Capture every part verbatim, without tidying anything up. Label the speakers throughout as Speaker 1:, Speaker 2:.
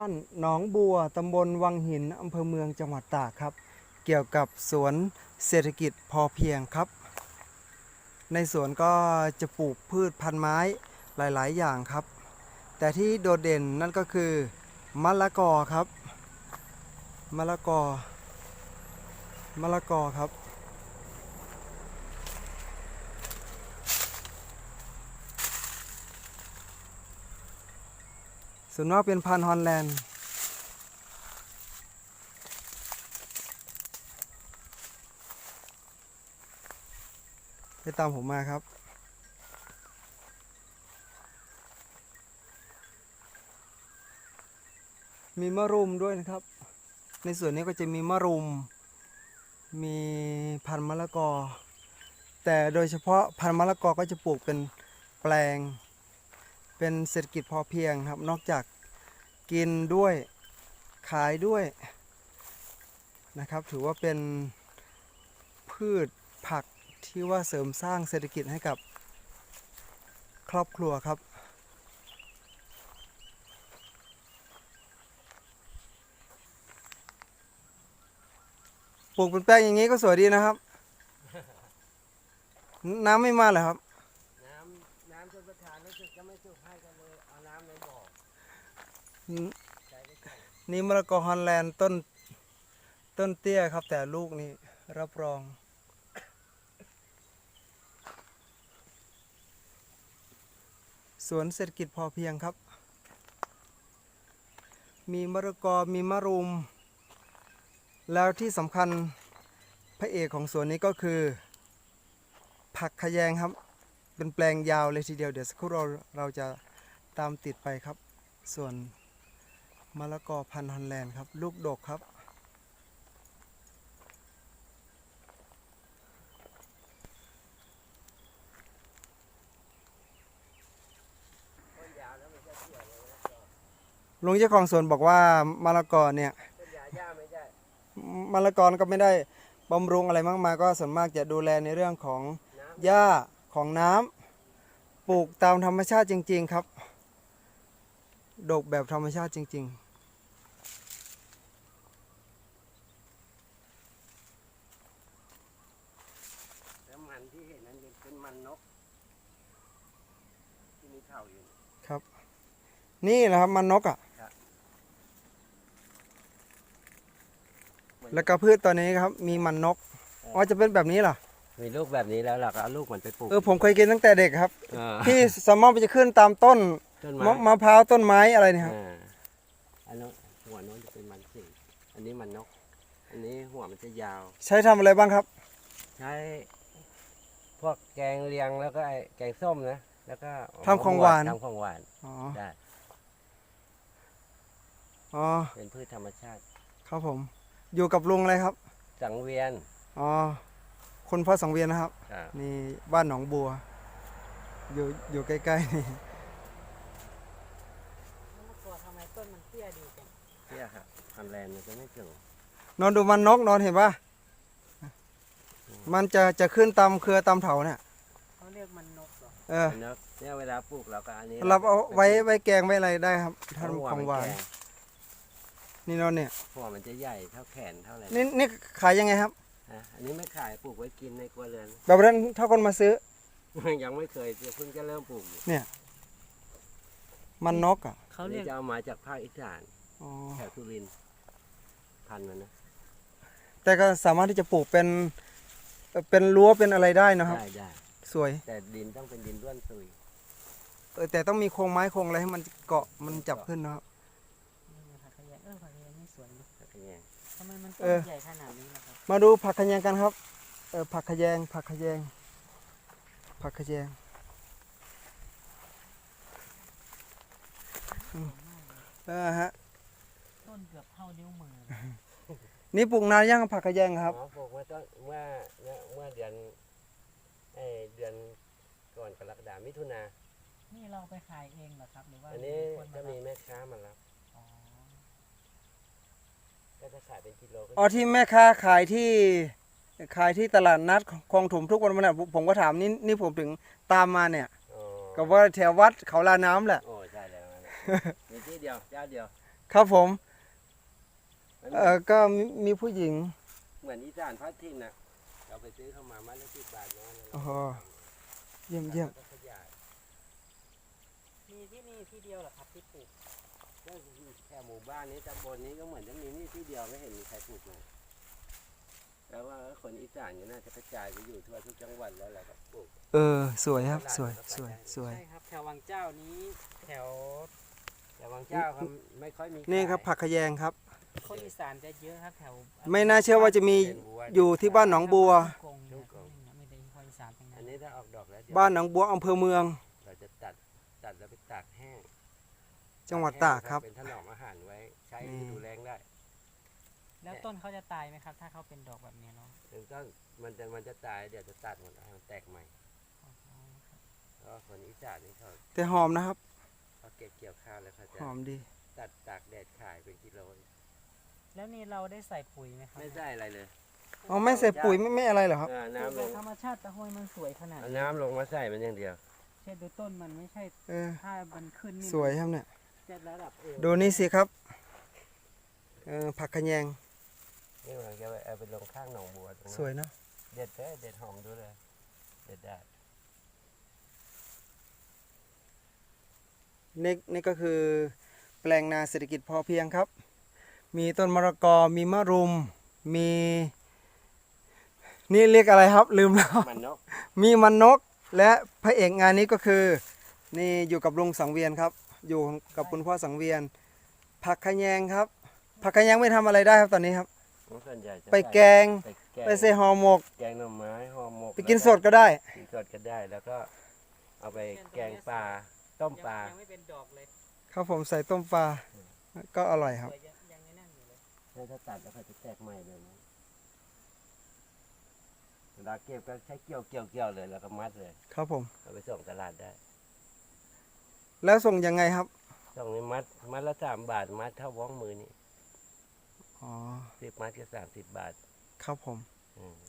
Speaker 1: บ้านหนองบัวตำบลวังหินอำเภอเมืองจังหวัดตากครับเกี่ยวกับสวนเศรษฐกิจพอเพียงครับในสวนก็จะปลูกพืชพันธุ์ไม้หลายๆอย่างครับแต่ที่โดดเด่นนั่นก็คือมะละกอครับมะละกอมะละกอครับส่วนมากเป็นพันธุ์ฮอลแลนด์ไปตามผมมาครับมีมะรุมด้วยนะครับในส่วนนี้ก็จะมีมะรุมมีพันธุ์มะละกอแต่โดยเฉพาะพันธุ์มะละกอก็จะปลูกเป็นแปลงเป็นเศรษฐกิจพอเพียงครับนอกจากกินด้วยขายด้วยนะครับถือว่าเป็นพืชผักที่ว่าเสริมสร้างเศรษฐกิจให้กับครอบครัวครับปลูกเป็นแป้งอย่างนี้ก็สวยดีนะครับ น้ำไม่มาเหรอครับ
Speaker 2: น้ำน้ำชนประทานรู้สึกจะไม่สุกให้กันเลยเอาน้ำในบ่อใช้ได้ใช่
Speaker 1: นี่มะละกอฮอลแลนด์ต้นต้นเตี้ยครับแต่ลูกนี่รับรองสวนเศรษฐกิจพอเพียงครับมีมะละกอมีมะรุมแล้วที่สำคัญพระเอกของสวนนี้ก็คือผักขะแยงครับเป็นแปลงยาวเลยทีเดียวเดี๋ยวสักครู่เราเราจะตามติดไปครับส่วนมะละกอพันธุ์ฮอลแลนด์ครับลูกดกครับ
Speaker 2: ต้นยาวแล้วมันจะเกี่ยวเลยนะก็
Speaker 1: ลุงเจ้าของสวนบอกว่ามะละกอเนี่ย
Speaker 2: ต้นยาหญ้าไม่ได้
Speaker 1: มะละกอก็ไม่ได้บำรุงอะไรมากมายก็ส่วนมากจะดูแลในเรื่องของ
Speaker 2: น้
Speaker 1: หญ้าของน้ำปลูกตามธรรมชาติจริงๆครับดกแบบธรรมชาติจริงๆ
Speaker 2: แล้วมันที่เห็นนั้นเป็นมันนกที่มีเข่าอยู่
Speaker 1: ครับนี่แหละครับมันนกอ่ะแล้วก็พืชตัวนี้ครับมีมันนกอ๋อจะเป็นแบบนี้เหรอ
Speaker 2: มีลูกแบบนี้แล้วเราก็เอาลูกมันไปปลูก
Speaker 1: เออผมเคยกินตั้งแต่เด็กครับ
Speaker 2: า
Speaker 1: ที่สมมติจะขึ้นตามต้น
Speaker 2: ต้น
Speaker 1: มะ
Speaker 2: ไม้
Speaker 1: มะพร้าวต้นไม้อะไรเนี่ยครับ
Speaker 2: อ่าอันนู้นหัวโน้นจะเป็นมันสิงอันนี้มันนกอันนี้หัวมันจะยาว
Speaker 1: ใช้ทำอะไรบ้างครับ
Speaker 2: ใช้พวกแกงเลียงแล้วก็ไอ้แกงส้มนะแล้วก็
Speaker 1: ทำของหวาน
Speaker 2: ทำของหวาน
Speaker 1: อ๋อ
Speaker 2: ได้
Speaker 1: อ๋อ
Speaker 2: เป็นพืชธรรมชาติ
Speaker 1: ครับผมอยู่กับลุงอะไรครับ
Speaker 2: สังเวียน
Speaker 1: อ๋อคุณพ่อสังเวียนนะครับ
Speaker 2: ครับ
Speaker 1: นี่บ้านหนองบัวอยู่อยู่ใกล้ๆนี่
Speaker 3: มะละกอทำไมต้นมันเตี้ยดีจัง
Speaker 2: เตี้ยครับฮอลแลนด์มันจะไม่สูง
Speaker 1: นอนดูมันนกนอนเห็นปะมันจะจะขึ้นตามเครือตามเถาเนี่ย
Speaker 3: เขาเรียกมันนกเหรอ
Speaker 1: เออ
Speaker 2: เนี่ยเวลาปลูกเราก็อันนี้
Speaker 1: เราเอาไว้ไว้แกงไว้อะไรได้ครับทำของหวานนี่นอนเนี่ย
Speaker 2: หัวมันจะใหญ่เท่าแขนเท่าอะไร
Speaker 1: นี่นี่ขายยังไงครับ
Speaker 2: อันนี้ไม่ขายปลูกไว้กินในครัวเรือน
Speaker 1: แบบนั้นถ้าคนมาซื้อ
Speaker 2: ยังไม่เคยเพิ่งจะเริ่มปลูก
Speaker 1: เนี่ยมันนกอ่ะ
Speaker 2: เขาเรียกจะเอามาจากภาคอีสาน
Speaker 1: อ๋อ
Speaker 2: แถวสุรินทร์พันธุ์มันนะ
Speaker 1: แต่ก็สามารถที่จะปลูกเป็นเป็นรั้วเป็นอะไรได้นะครับ
Speaker 2: ได้ได้
Speaker 1: สวย
Speaker 2: แต่ดินต้องเป็นดินร่วนซุย
Speaker 1: เออแต่ต้องมีโครงไม้โครงอะไรให้มันเกาะมันจับขึ้นนะครับ
Speaker 3: ผักขยงเออผักขยงนี่สวยดี
Speaker 2: ผักขยง
Speaker 3: ทำไมมันต้นใหญ่ขนาดนี้ล่ะครับ
Speaker 1: มาดูผักขยงกันครับเออผักขยงผักขยงผักขยงเออฮะ
Speaker 3: ต้นเกือบเท่านิ้วมือ
Speaker 1: นี่ปลูกนานยังผักขยงครับ
Speaker 2: ปลูกมาต้นเมื่อเมื่อเดือนเอเดือนก่อนกรกฎาคมมิถุนา
Speaker 3: นี่เราไปขายเองเหรอครับหรือว่า
Speaker 2: อันนี้จะมีแม่ค้ามารับก็จะขายเป็นกิโล
Speaker 1: อ๋อที่แม่ค้าขายที่ขายที่ตลาดนัดคลองถมทุกวันวันนั้นผมก็ถามนี่นี่ผมถึงตามมาเนี่ยก็ว่าแถววัดเขาลาน้ำแหละ
Speaker 2: โอ้ใช่แล้วมีที่เดียวเจ้าเดียว
Speaker 1: ครับผม
Speaker 2: มัน
Speaker 1: เออก็มีมีผู้หญิง
Speaker 2: เหมือนอีสานพัดทิ้งน่ะเราไปซื้อเข้ามามัดละสิบบาทเนาะ
Speaker 1: โอ้โห เยี่ยมเยี่ยม
Speaker 2: แล้วก็ขยาย
Speaker 3: มีที่นี่ที่เดียวเหรอครับที่ปลูก
Speaker 2: ก็แค่หมู่บ้านนี้ตำบลนี้ก็เหมือนจะมีนี่ที่เดียวไม่เห็นมีใครปลูกเลยแล้วว่าคนอีสานก็น่าจะกระจายไปอยู่ทั่วทุกจังหวัดแล้วแหละครับปลูก
Speaker 1: เออ สวยครับ สวย สวย สวย
Speaker 3: ใช่ครับแถววังเจ้านี้แถว
Speaker 2: แต่บางเจ้าเขาไม่ค่อยมี
Speaker 1: นี่ครับ
Speaker 2: ขาย
Speaker 1: ผักขยงครับ
Speaker 3: คนอีสานจะเยอะครับแถว
Speaker 1: ไม่น่าเชื่อว่าจะมี
Speaker 2: เป็นบัว
Speaker 1: อยู่ที่บ้านหนองบัว
Speaker 3: กงเนี่ยไม่ได้คนอีสานตรงนั้
Speaker 2: อัน
Speaker 3: น
Speaker 2: นี้ถ้าออกดอกแล้วเดี๋ยว
Speaker 1: บ้านหนองบัวอำเภอเมือง
Speaker 2: เราจะตัดตัดแล้วไปตากแห้ง
Speaker 1: จังหวัดตากครับ
Speaker 2: เป็นถนอมอาหารไว้ใช้
Speaker 1: นี่
Speaker 2: ฤดูแล้งได้
Speaker 3: แล้วต้นเขาจะตายไหมครับ ถ้าเขาเป็นดอกแบบนี้เนาะ
Speaker 2: ถึงต้นมันจะมันจะตายเดี๋ยวจะตัดหมดให้มันแตกใหม่
Speaker 3: อ๋อครับ
Speaker 2: เพราะว่าคนอีสานนี่เขา
Speaker 1: แต่หอมนะครับ
Speaker 2: เขาเก็บเกี่ยวข้าวแล้วเขาจะ
Speaker 1: หอมดี
Speaker 2: ตัดตากแดดขายเป็นกิโล
Speaker 3: แล้วนี่เราได้ใส่ปุ๋ยไหมครับ
Speaker 2: ไม่ได้อะไรเลย
Speaker 1: อ๋อ ไม่ใส่ปุ๋ยไม่ไม่อะไรเหรอครับ
Speaker 2: เออ
Speaker 3: ปลูก
Speaker 2: น้ำ
Speaker 3: โด
Speaker 2: ล
Speaker 3: ย
Speaker 2: ง
Speaker 3: ธรรมชาติตะโฮยมันสวยขนาด
Speaker 2: เอา
Speaker 3: นี้
Speaker 2: น้ำลงมาใส่มันอย่างเดียว
Speaker 3: เช่นดูต้นมันไม่ใช่
Speaker 1: เออ
Speaker 3: ถ้ามันขึ้นนี่
Speaker 1: สวยครับเนี่ย
Speaker 3: จะระดับเอว
Speaker 1: ดูนี่สิครับ เออ ผักขยง
Speaker 2: นี่มันจะเอาไปลงข้างหนองบัวตรงนั้น
Speaker 1: สวยเนาะ
Speaker 2: เด็ดเลยเด็ดหอมดูเลยเด็ดได้
Speaker 1: นี่นี่ก็คือแปลงนาเศรษฐกิจพอเพียงครับ มีต้นมะละกอ มีมะรุม มี นี่เรียกอะไรครับ ลืมแล้ว
Speaker 2: มันนก
Speaker 1: มีมันนก และพระเอกงานนี้ก็คือ นี่อยู่กับลุงสังเวียนครับ อยู่กับคุณพ่อสังเวียน ผักขยงครับ ผักขยงไม่ทำอะไรได้ครับตอนนี้ครับ
Speaker 2: ส่วนใหญ่จะ
Speaker 1: ไปแกง
Speaker 2: ไปแกง
Speaker 1: ไปใส่ห่อหมก
Speaker 2: แกงหน่อไม้ห่อหมก
Speaker 1: ไปกินสดก็ได้
Speaker 2: กินสดก็ได้แล้วก็เอาไปแกงปลาต้มปลา
Speaker 3: ยังไม่เป็นดอกเลย
Speaker 1: ครับผมใส่ต้มปลา ก็อร่อยครับ
Speaker 3: สวยยังยังไม่นั่นอยู่เลย
Speaker 2: แล้วถ้าตัดแล้วเขาจะแตกใหม่เลยนะเวลาเก็บก็ใช้เกี่ยวเกี่ยวเกี่ยวเลยแล้วก็มัดเลย
Speaker 1: ครับผม
Speaker 2: เอาไปส่งตลาดได้
Speaker 1: แล้วส่งยังไงครับ
Speaker 2: ส่งนี้มัดมัดละสามบาทมัดเท่าว้องมือนี่
Speaker 1: อ๋อ
Speaker 2: สิบมัดก็สามสิบบาท
Speaker 1: ครับผม
Speaker 2: อืม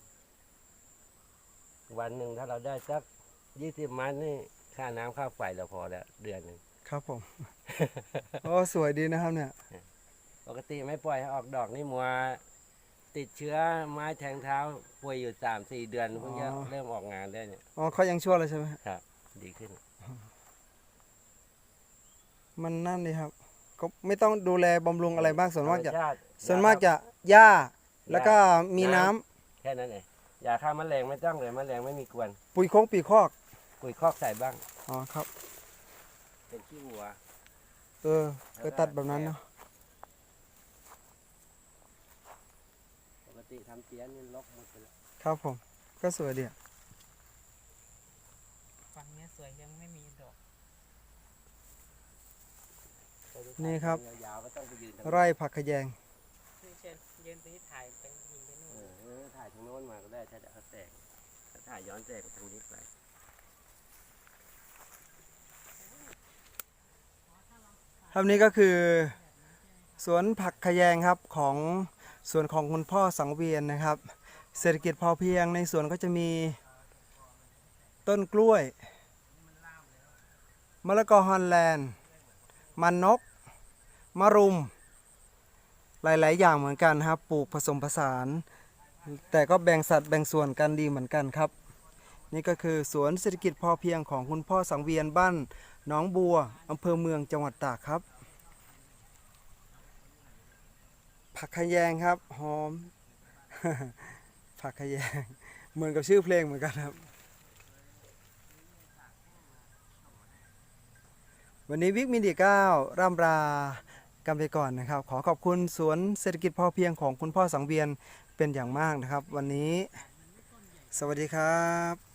Speaker 2: วันหนึ่งถ้าเราได้สักยี่สิบมัดนี่ค่าน้ำค่าไฟเราพอแล้วเดือนหนึ่ง
Speaker 1: ครับผม โอ้สวยดีนะครับเนี่ย
Speaker 2: ปกติไม่ปล่อยให้ออกดอกนี่มัวติดเชื้อไม้แทงเท้าป่วยอยู่สามสี่เดือนเพิ่งจะ
Speaker 1: อ๋อ
Speaker 2: เริ่มออกงานได้เนี่ย
Speaker 1: อ๋อเขายังชั่วเลยใช่ไหม
Speaker 2: ครับ ดีขึ้น
Speaker 1: มันนั่นเลยครับ ก็ไม่ต้องดูแลบำรุงอะไรบ้างส่วนมากจะ
Speaker 2: ธรรชติ
Speaker 1: ส่วนมากจะหญ้า แล้วก็มี
Speaker 2: น้ำ
Speaker 1: น้ำ
Speaker 2: แค่นั้นเองยาฆ่าแมลงไม่ต้องเลยแมลงไม่มีกวน
Speaker 1: ปุ๋ยโคงปีคอก
Speaker 2: ปุ๋ยคอกใส่บ้าง
Speaker 1: อ๋อครับ
Speaker 2: เป็นขี้วัว
Speaker 1: เออก็ตัดแบบนั้นเนาะ
Speaker 2: ปกติทำเตี้ยนนี่ลกหมดไปแล้ว
Speaker 1: ครับผม ก็สวยดีอะ
Speaker 3: ฝั่งเนี้ยสวยยังไม่มีดอก
Speaker 1: นี่ครับ
Speaker 2: ยาวๆก็ต้องไปยืนทาง
Speaker 1: ไร่ผักขยง
Speaker 3: นี่เช่นยืนไปที่ถ่ายไปยิงไปนู่น
Speaker 2: เออเออถ่ายทางโน้นมาก็ได้ถ้าจะเขาแตกถ้าถ่ายย้อนแตกทางนี้ไป
Speaker 1: ครับนี่ก็คือสวนผักขยงครับของสวนของคุณพ่อสังเวียนนะครับ เศรษฐกิจพอเพียงในสวนก็จะมีต้นกล้วยมะละกอฮอลแลนด์มันนกมะรุม หลาย ๆ อย่างเหมือนกันครับปลูกผสมผสาน แต่ก็แบ่งสัดแบ่งส่วนกันดีเหมือนกันครับ นี่ก็คือสวนเศรษฐกิจพอเพียงของคุณพ่อสังเวียนบ้านหนองบัวอำเภอเมืองจังหวัดตากครับ ผักขยงครับหอม ผักขยงเหมือนกับชื่อเพลงเหมือนกันครับ วันนี้วิกมีเดียเก้าร่ำลากันไปก่อนนะครับ ขอขอบคุณสวนเศรษฐกิจพอเพียงของคุณพ่อสังเวียนเป็นอย่างมากนะครับ วันนี้ สวัสดีครับ